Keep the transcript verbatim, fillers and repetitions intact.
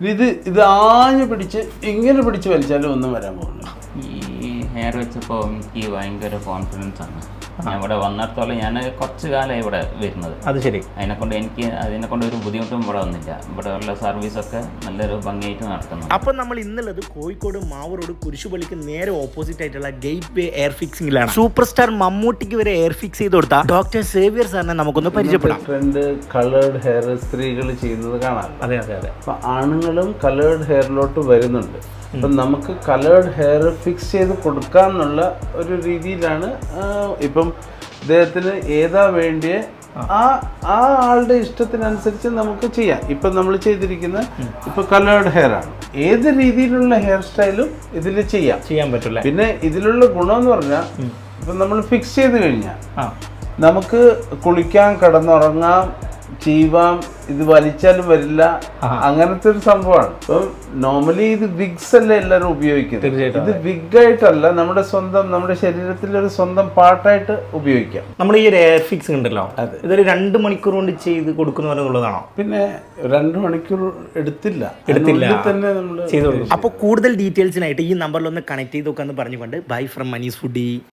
ഇത് ഇത് ആഞ്ഞു പിടിച്ച് ഇങ്ങനെ പിടിച്ച് വലിച്ചാലും ഒന്നും വരാൻ പോകുന്നു. ഈ ഹെയർ വെച്ചപ്പോൾ എനിക്ക് ഭയങ്കര കോൺഫിഡൻസ് ആണ്. ഞാൻ ഇവിടെ വന്നിടത്തോളം ഞാൻ കുറച്ച് കാലമായി ഇവിടെ വരുന്നത്. അത് ശരി. അതിനെക്കൊണ്ട് എനിക്ക് അതിനെക്കൊണ്ട് ഒരു ബുദ്ധിമുട്ടും ഇവിടെ വന്നില്ല. ഇവിടെ ഉള്ള സർവീസൊക്കെ നല്ലൊരു ഭംഗിയായിട്ട് നടക്കുന്നു. അപ്പം നമ്മൾ ഇന്നുള്ളത് കോഴിക്കോട് മാവൂർ റോഡ് കുരിശുപള്ളിക്ക് നേരെ ഓപ്പോസിറ്റ് ആയിട്ടുള്ള ഗേറ്റ് വേ എയർ ഫിക്സിംഗിലാണ്. സൂപ്പർ സ്റ്റാർ മമ്മൂട്ടിക്ക് വരെ എയർ ഫിക്സ് ചെയ്ത് കൊടുത്ത ഡോക്ടർ സേവിയർ സാറിനെ നമുക്കൊന്ന് പരിചയപ്പെടാം. ട്രെൻഡ് കളേർഡ് ഹെയർ സ്ത്രീകൾ ചെയ്യുന്നത് കാണാം. അതെ അതെ അതെ. അപ്പം ആണുങ്ങളും കളേർഡ് ഹെയറിലോട്ട് വരുന്നുണ്ട്. അപ്പം നമുക്ക് കളേർഡ് ഹെയർ ഫിക്സ് ചെയ്ത് കൊടുക്കാന്നുള്ള ഒരു രീതിയിലാണ് ഇപ്പം ഇദ്ദേഹത്തിന് ഏതാ വേണ്ടിയ ആ ആ ആളുടെ ഇഷ്ടത്തിനനുസരിച്ച് നമുക്ക് ചെയ്യാം. ഇപ്പം നമ്മൾ ചെയ്തിരിക്കുന്ന ഇപ്പം കളേർഡ് ഹെയർ ആണ്. ഏത് രീതിയിലുള്ള ഹെയർ സ്റ്റൈലും ഇതിൽ ചെയ്യാം ചെയ്യാൻ പറ്റില്ല. പിന്നെ ഇതിലുള്ള ഗുണമെന്ന് പറഞ്ഞാൽ ഇപ്പം നമ്മൾ ഫിക്സ് ചെയ്ത് കഴിഞ്ഞാൽ നമുക്ക് കുളിക്കാൻ, കിടന്നുറങ്ങാം, ചെയ്യാം. ഇത് വലിച്ചാലും വരില്ല, അങ്ങനത്തെ ഒരു സംഭവമാണ്. ഇപ്പം നോർമലി ഇത് വിഗ്സ് അല്ലേ എല്ലാവരും ഉപയോഗിക്കുന്നത്. ഇത് വിഗ് ആയിട്ടല്ല, നമ്മുടെ സ്വന്തം നമ്മുടെ ശരീരത്തിലെ ഒരു സ്വന്തം പാർട്ടായിട്ട് ഉപയോഗിക്കാം. നമ്മൾ ഈ ഒരു എയർ ഫിക്സ് ഉണ്ടല്ലോ, ഇതൊരു രണ്ട് മണിക്കൂർ കൊണ്ട് ചെയ്ത് കൊടുക്കുന്നതാണോ? പിന്നെ രണ്ട് മണിക്കൂർ എടുത്തില്ല എടുത്തില്ല തന്നെ നമ്മൾ ചെയ്തു കൊടുക്കും. അപ്പോൾ കൂടുതൽ ഡീറ്റെയിൽസിനായിട്ട് ഈ നമ്പറിൽ ഒന്ന് കണക്ട് ചെയ്ത് നോക്കാന്ന് പറഞ്ഞുകൊണ്ട് ബൈ ഫ്രം മനീസ് ഫുഡി.